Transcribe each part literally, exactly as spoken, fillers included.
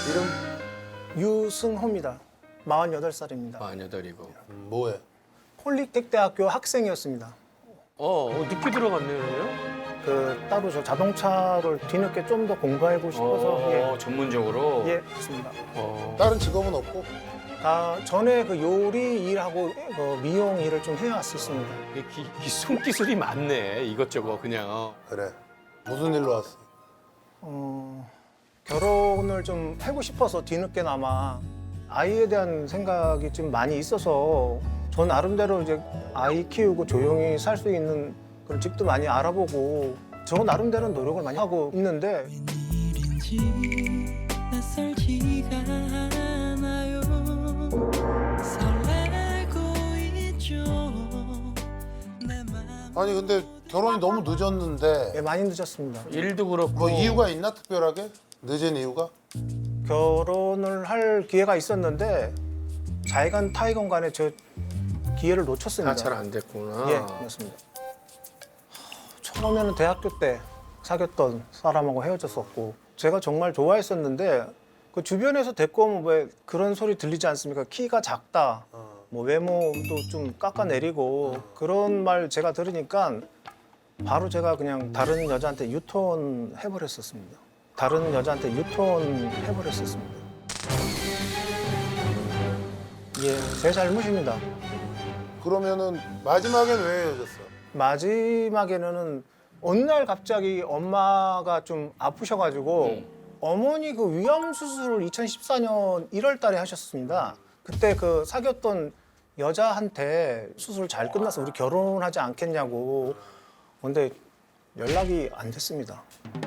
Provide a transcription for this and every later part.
이름 유승호입니다. 마흔여덟 살입니다. 마흔여덟이고. 음, 뭐해? 폴리텍 대학교 학생이었습니다. 어, 어 늦게 들어갔네요, 그러면? 그 따로 저 자동차를 뒤늦게 좀 더 공부하고 싶어서 어, 전문적으로. 예, 예, 좋습니다. 어. 다른 직업은 없고? 다 전에 그 요리 일하고 그 미용 일을 좀 해왔었습니다. 이 기, 기, 손기술이 많네, 이것저것 그냥. 어. 그래. 무슨 일로 왔어? 어, 결혼을 좀 하고 싶어서 뒤늦게나마 아이에 대한 생각이 좀 많이 있어서 전 나름대로 이제 아이 키우고 조용히 살 수 있는 그런 집도 많이 알아보고 저 나름대로 노력을 많이 하고 있는데 웬일인지 낯설지가 않아요. 설레고 있죠. 내 맘. 아니 근데 결혼이 너무 늦었는데 예, 많이 늦었습니다. 일도 그렇고. 뭐 이유가 있나 특별하게? 늦은 이유가? 결혼을 할 기회가 있었는데 자의간 타의건 간에 저 기회를 놓쳤습니다. 다 잘 안 됐구나. 예, 그렇습니다. 처음에는 대학교 때 사귀었던 사람하고 헤어졌었고 제가 정말 좋아했었는데 그 주변에서 대꾸하면 왜 그런 소리 들리지 않습니까? 키가 작다, 어. 뭐 외모도 좀 깎아내리고 그런 말 제가 들으니까 바로 제가 그냥 다른 여자한테 유턴 해버렸었습니다. 다른 여자한테 유턴 해버렸었습니다. 예, 제 잘못입니다. 그러면은 마지막엔 왜 헤어졌어? 마지막에는 어느 날 갑자기 엄마가 좀 아프셔가지고 음. 어머니 그 위암 수술을 이천십사 년 일월 달에 하셨습니다. 그때 그 사귀었던 여자한테 수술 잘 끝나서 우리 결혼하지 않겠냐고. 근데 연락이 안 됐습니다.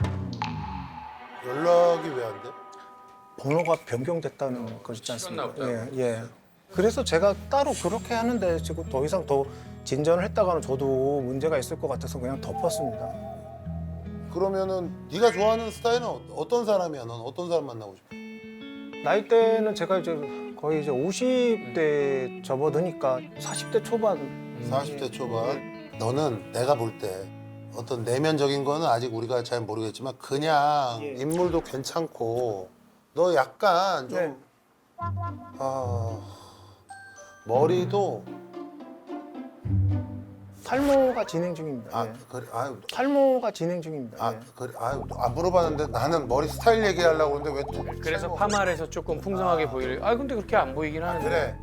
연락이 왜 안 돼? 번호가 변경됐다는 거 있지 않습니까? 시간 예, 나왔다고. 예. 그래서 제가 따로 그렇게 하는데 지금 더 이상 더 진전을 했다가는 저도 문제가 있을 것 같아서 그냥 덮었습니다. 그러면은 네가 좋아하는 스타일은 어- 어떤 사람이야? 넌 어떤 사람 만나고 싶어? 나이대는 제가 이제 거의 이제 오십 대 접어드니까 사십 대 초반. 사십 대 초반. 너는 내가 볼 때 어떤 내면적인 거는 아직 우리가 잘 모르겠지만 그냥 예. 인물도 괜찮고 너 약간 좀 네. 아, 머리도 탈모가 진행 중입니다. 아 예. 그래 아유 탈모가 진행 중입니다. 아 예. 그래 아유 안 물어봤는데 나는 머리 스타일 얘기하려고 그러는데 왜 또 그래서 탈모- 파마를 해서 조금 풍성하게 보이려. 아, 근데 그렇게 안 보이긴 하는데. 그래.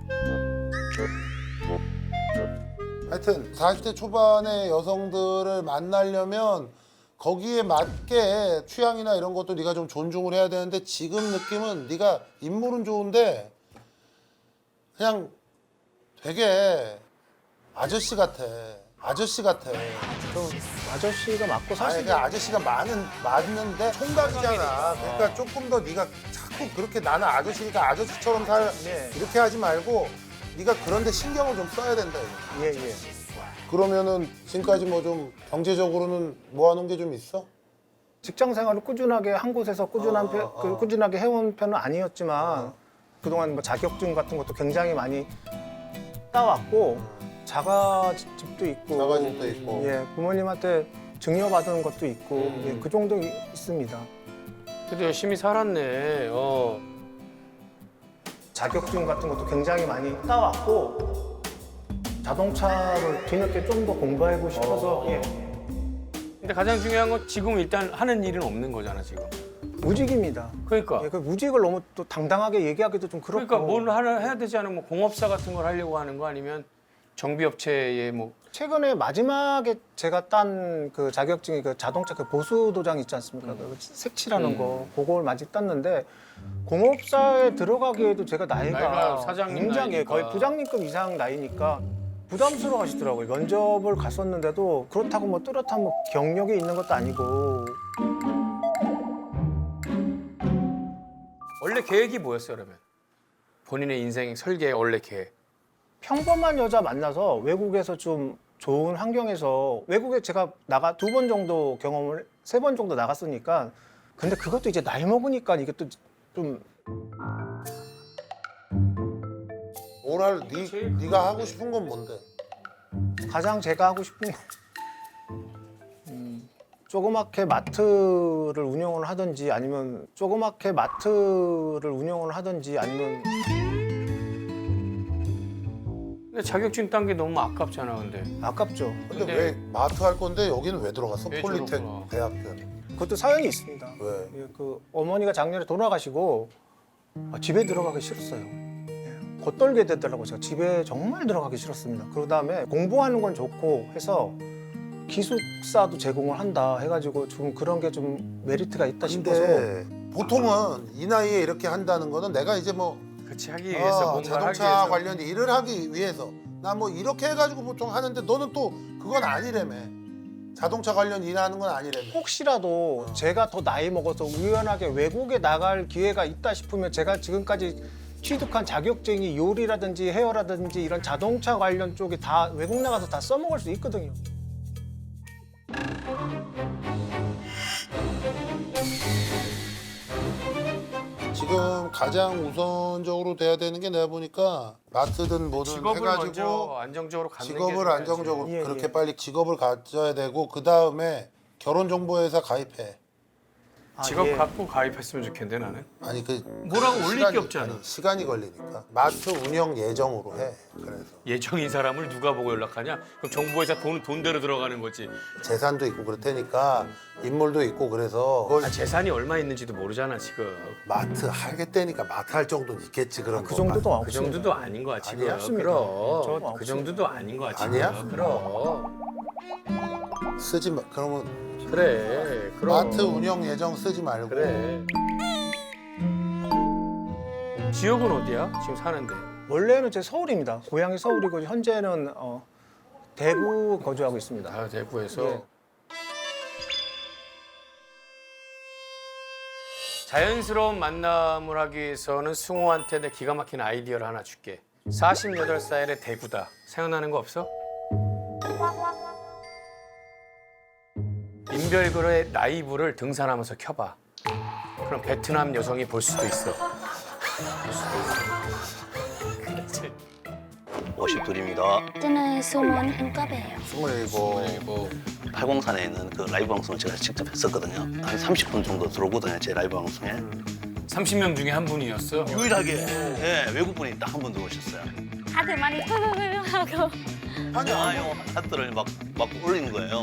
하여튼 사십 대 초반의 여성들을 만나려면 거기에 맞게 취향이나 이런 것도 네가 좀 존중을 해야 되는데 지금 느낌은 네가 인물은 좋은데 그냥 되게 아저씨 같아. 아저씨 같아. 좀 아저씨가 맞고 살 수 아니 있는 그 아저씨가 많은 맞는데 총각이잖아. 그러니까 조금 더 네가 자꾸 그렇게 나는 아저씨니까 아저씨처럼 살 네. 이렇게 하지 말고 네가 그런데 신경을 좀 써야 된다. 이거. 예, 예. 그러면은 지금까지 뭐 좀 경제적으로는 모아놓은 게 좀 있어? 직장 생활을 꾸준하게 한 곳에서 꾸준한 어, 편- 어, 그 어. 꾸준하게 해온 편은 아니었지만 어. 그동안 뭐 자격증 같은 것도 굉장히 많이 따왔고 자가집도 있고 자가집도 있고. 예, 부모님한테 증여받은 것도 있고 음. 예, 그 정도 이- 있습니다. 그래도 열심히 살았네. 어. 자격증 같은 것도 굉장히 많이 따왔고 자동차를 뒤늦게 좀 더 공부하고 싶어서 예, 근데 가장 중요한 건 지금 일단 하는 일은 없는 거잖아, 지금. 무직입니다. 그러니까. 예, 그 무직을 너무 또 당당하게 얘기하기도 좀 그렇고 그러니까 뭘 하나 해야 되지 않으면 뭐 공업사 같은 걸 하려고 하는 거 아니면 정비업체에 뭐 최근에 마지막에 제가 딴 그 자격증이 그 자동차 그 보수 도장 있지 않습니까? 그 색칠하는 음. 거 그걸 마직 땄는데 공업사에 들어가기에도 제가 나이가, 나이가 사장님 굉장히 나이니까. 거의 부장님급 이상 나이니까 부담스러워 하시더라고요. 면접을 갔었는데도 그렇다고 뭐 뚜렷한 뭐 경력이 있는 것도 아니고 원래 계획이 뭐였어요, 그러면? 본인의 인생 설계의 원래 계획. 평범한 여자 만나서 외국에서 좀 좋은 환경에서 외국에 제가 나가 두 번 정도 경험을 세 번 정도 나갔으니까 근데 그것도 이제 나이 먹으니까 이게 또 좀 오랄 네, 네가 하고 싶은 건 뭔데? 가장 제가 하고 싶은 거 음, 조그맣게 마트를 운영을 하든지 아니면 조그맣게 마트를 운영을 하든지 아니면 근데 자격증 딴 게 너무 아깝잖아, 근데. 아깝죠. 근데, 근데- 왜 마트 할 건데 여기는 왜 들어갔어? 왜 폴리텍 들어갔구나. 대학교는. 그것도 사연이 있습니다. 왜? 예, 그 어머니가 작년에 돌아가시고 아, 집에 들어가기 싫었어요. 예, 겉돌게 되더라고요. 제가 집에 정말 들어가기 싫었습니다. 그 다음에 공부하는 건 좋고 해서 기숙사도 제공을 한다 해가지고 좀 그런 게 좀 메리트가 있다 싶어서 근데 보통은 이 나이에 이렇게 한다는 거는 내가 이제 뭐 그치, 하기 위해서 아, 뭔가 자동차 하기 위해서. 관련 일을 하기 위해서 나 뭐 이렇게 해가지고 보통 하는데 너는 또 그건 아니라며. 자동차 관련 일하는 건 아니라며. 혹시라도 제가 더 나이 먹어서 우연하게 외국에 나갈 기회가 있다 싶으면 제가 지금까지 취득한 자격증이 요리라든지 헤어라든지 이런 자동차 관련 쪽에 다 외국 나가서 다 써먹을 수 있거든요. 지금 가장 우선적으로 돼야 되는 게 내가 보니까 마트든 뭐든 직업을 먼저 해가지고 안정적으로 갖는 게 직업을 중요하지. 안정적으로 예, 그렇게 예. 빨리 직업을 가져야 되고 그 다음에 결혼정보회사 가입해. 아, 직업 예. 갖고 가입했으면 좋겠는데 나는. 아니 그 뭐라고 올릴 게 시간이- 없잖아. 아니, 시간이 걸리니까 마트 운영 예정으로 해. 그래서 예정인 사람을 누가 보고 연락하냐? 그럼 정부에서 돈 돈대로 들어가는 거지. 재산도 있고 그럴 테니까 인물도 있고 그래서 그걸 아, 재산이 얼마 있는지도 모르잖아 지금. 마트 하겠다니까 마트 할 정도는 있겠지 그런 그 거. 정도도 그 없습니다. 정도도 아닌 거야 지금. 아니야? 없습니다. 그럼 저도 그 없습니다. 정도도 아닌 거야 지금. 아니야? 그럼 쓰지 마. 그러면 그래. 그럼 마트 운영 예정 쓰지 말고. 그래. 지역은 어디야? 지금 사는데. 원래는 제 서울입니다. 고향이 서울이고 현재는 어, 대구 거주하고 있습니다. 아 대구에서. 예. 자연스러운 만남을 하기 위해서는 승호한테 내 기가 막힌 아이디어를 하나 줄게. 마흔여덟 살의 대구다. 생각나는 거 없어? 인별그의 라이브를 등산하면서 켜봐. 그럼 베트남 여성이 볼 수도 있어. 그렇지. 오십둘입니다. 저는 스물일곱이에요. 스물일곱. 뭐 팔공산에 있는 그 라이브 방송을 제가 직접 했었거든요. 한 삼십 분 정도 들어오거든요, 제 라이브 방송에. 삼십 명 중에 한 분이었어. 유일하게 예, 외국분이 딱 한 분 들어오셨어요. 다들 많이 하고 아니, 아요 하트를 막, 막 올리는 거예요.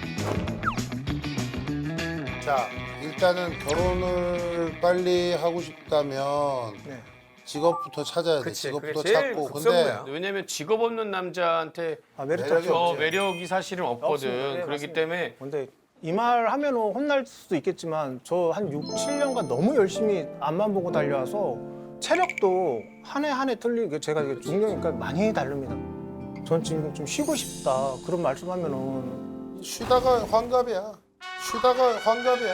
자 일단은 결혼을 빨리 하고 싶다면 네. 직업부터 찾아야 돼. 그치, 직업부터 그게 제일 찾고. 급선무야. 근데 왜냐면 직업 없는 남자한테 아, 메리트 매력이 없죠. 저 매력이 사실은 없거든. 없습니다. 네, 그렇기 맞습니다. 때문에 근데 이 말 하면 혼날 수도 있겠지만 저 한 육, 칠 년간 너무 열심히 앞만 보고 달려와서 체력도 한 해 한 해 틀리게 제가 이게 중년이니까 많이 다릅니다. 전 지금 좀 쉬고 싶다 그런 말씀하면은 쉬다가 환갑이야. 쉬다가 환갑이야.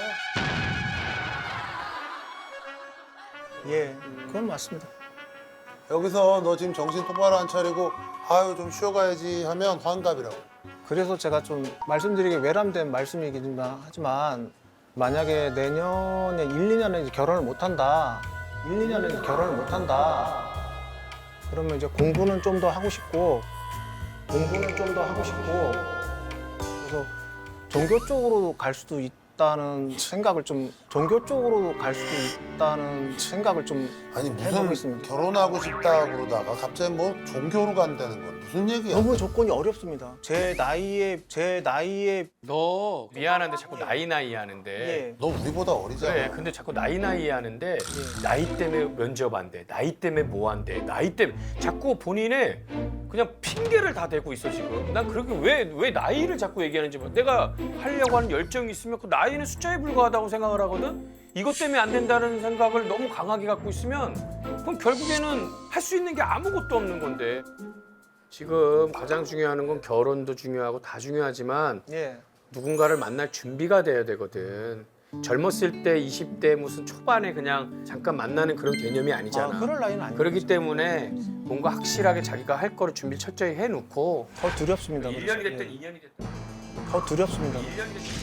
예 그건 맞습니다. 여기서 너 지금 정신 똑바로 안 차리고 아유 좀 쉬어가야지 하면 환갑이라고. 그래서 제가 좀 말씀드리기 외람된 말씀이긴 하지만 만약에 내년에 일, 이 년에 이제 결혼을 못 한다. 일, 이 년에 이제 결혼을 못 한다. 그러면 이제 공부는 좀 더 하고 싶고 공부는 좀 더 하고 싶고 그래서 종교 쪽으로 갈 수도 있다는 생각을 좀 종교 쪽으로 갈 수도 있다는 생각을 좀 아니 해보고 무슨 있습니다. 결혼하고 싶다 그러다가 갑자기 뭐 종교로 간다는 건 무슨 얘기야? 너무 조건이 어렵습니다. 제 나이에 제 나이에 너 미안한데 자꾸 나이 나이 하는데. 예. 너 우리보다 어리잖아. 그래, 근데 자꾸 나이 나이 하는데 나이 때문에 면접 안 돼, 나이 때문에 뭐 안 돼, 나이 때문에 자꾸 본인의 그냥 핑계를 다 대고 있어 지금. 난 그렇게 왜 왜 나이를 자꾸 얘기하는지 몰라. 내가 하려고 하는 열정이 있으면 그 나이는 숫자에 불과하다고 생각을 하거든. 이것 때문에 안 된다는 생각을 너무 강하게 갖고 있으면 그럼 결국에는 할 수 있는 게 아무것도 없는 건데. 지금 가장 중요한 건 결혼도 중요하고 다 중요하지만 예. 누군가를 만날 준비가 돼야 되거든. 젊었을 때 이십 대 무슨 초반에 그냥 잠깐 만나는 그런 개념이 아니잖아. 아, 그럴 나이는 아니에요. 그렇기 때문에 뭔가 확실하게 자기가 할 거를 준비 철저히 해놓고 더 두렵습니다. 일 그래서. 년이 됐든 예. 이 년이 됐든 더 두렵습니다. 일 년이 됐든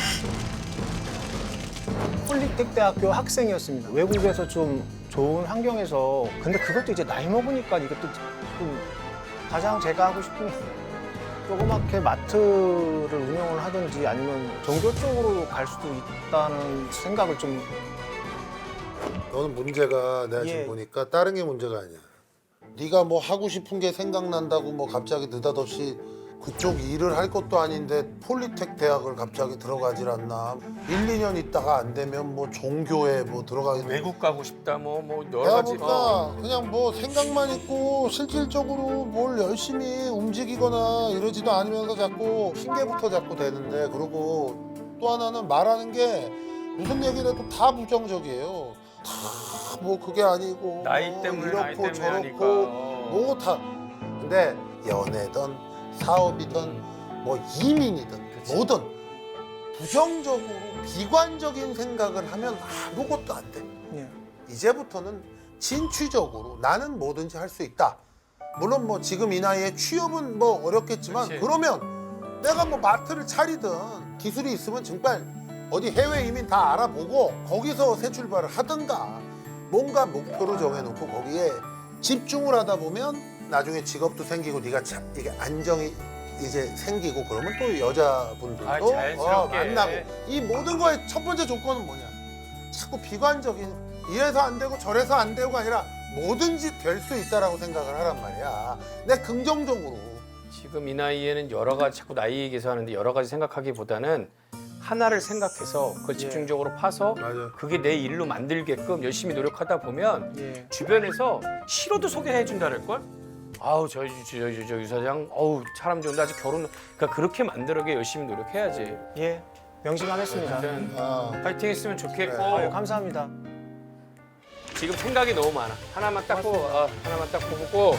폴리텍 대학교 학생이었습니다. 외국에서 좀 좋은 환경에서 근데 그것도 이제 나이 먹으니까 이것도 좀 가장 제가 하고 싶은 조그맣게 마트를 운영을 하든지 아니면 종교 쪽으로 갈 수도 있다는 생각을 좀 너는 문제가 내가 예. 지금 보니까 다른 게 문제가 아니야. 네가 뭐 하고 싶은 게 생각난다고 뭐 갑자기 느닷없이 그쪽 일을 할 것도 아닌데 폴리텍 대학을 갑자기 들어가질 않나. 일, 이 년 있다가 안 되면 뭐 종교에 뭐 들어가게 돼. 외국 가고 싶다 뭐 뭐 여러 내가 가지. 보니까 어. 그냥 뭐 생각만 있고 실질적으로 뭘 열심히 움직이거나 이러지도 않으면서 자꾸 핑계부터 자꾸 대는데, 그리고 또 하나는 말하는 게 무슨 얘기를 해도 다 부정적이에요. 다 뭐 그게 아니고 나이 뭐 때문에 이렇고 나이 때문에 저렇고 하니까. 어. 뭐 다. 근데 연애든 사업이든 뭐 이민이든 그치. 뭐든 부정적으로 비관적인 생각을 하면 아무것도 안 돼. 예. 이제부터는 진취적으로 나는 뭐든지 할 수 있다. 물론 뭐 지금 이 나이에 취업은 뭐 어렵겠지만 그치. 그러면 내가 뭐 마트를 차리든 기술이 있으면 정말 어디 해외 이민 다 알아보고 거기서 새 출발을 하든가 뭔가 목표를 정해놓고 거기에 집중을 하다 보면 나중에 직업도 생기고 네가 자, 이게 안정이 이제 생기고 그러면 또 여자분들도 아, 어, 자연스럽게. 만나고. 이 모든 거의 첫 번째 조건은 뭐냐? 자꾸 비관적인 이래서 안 되고 저래서 안 되고가 아니라 뭐든지 될 수 있다라고 생각을 하란 말이야. 내 긍정적으로. 지금 이 나이에는 여러 가지 자꾸 나이 얘기해서 하는데 여러 가지 생각하기보다는 하나를 생각해서 그걸 집중적으로 파서 맞아. 그게 내 일로 만들게끔 열심히 노력하다 보면 예. 주변에서 싫어도 소개해 준다는 걸. 아우 저저 저, 저, 저, 유 사장, 어우 사람 좋은데 아직 결혼. 그러니까 그렇게 만들어게 열심히 노력해야지. 예. 명심하겠습니다. 아무튼 아, 파이팅했으면 좋겠고. 그래. 아유, 감사합니다. 지금 생각이 너무 많아. 하나만 딱 뽑고, 어, 하나만 딱 뽑고.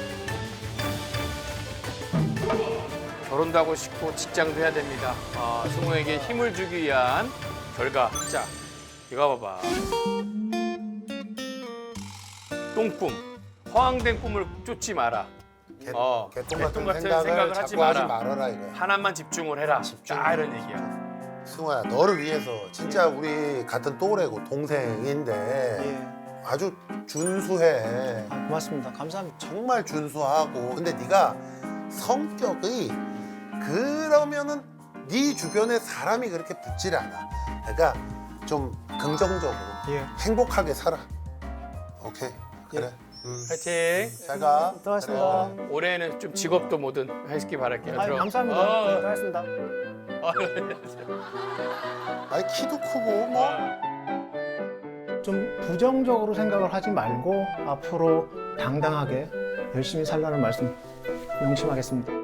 결혼도 하고 싶고 직장도 해야 됩니다. 아, 승우에게 힘을 주기 위한 결과. 자, 이거 봐봐. 똥꿈. 허황된 꿈을 쫓지 마라. 개, 어, 개똥 개똥 같은, 같은 생각을, 생각을 하지 자꾸 하지 마라. 말아라 이거야. 하나만 집중을 해라. 집중. 딱 이런 얘기야. 승호야, 너를 위해서 진짜 우리 같은 또래고 동생인데 예. 아주 준수해. 아, 고맙습니다. 감사합니다. 정말 준수하고. 근데 네가 성격이 그러면은 네 주변에 사람이 그렇게 붙질 않아. 그러니까 좀 긍정적으로 예. 행복하게 살아. 오케이. 그래. 음. 파이팅. 잘 가. 들어가겠습니다. 그래. 올해는 좀 직업도 뭐든 하시기 바랄게요. 아유, 들어. 감사합니다. 어. 네, 들어가겠습니다. 아니 키도 크고 뭐. 좀 부정적으로 생각을 하지 말고 앞으로 당당하게 열심히 살라는 말씀 명심하겠습니다.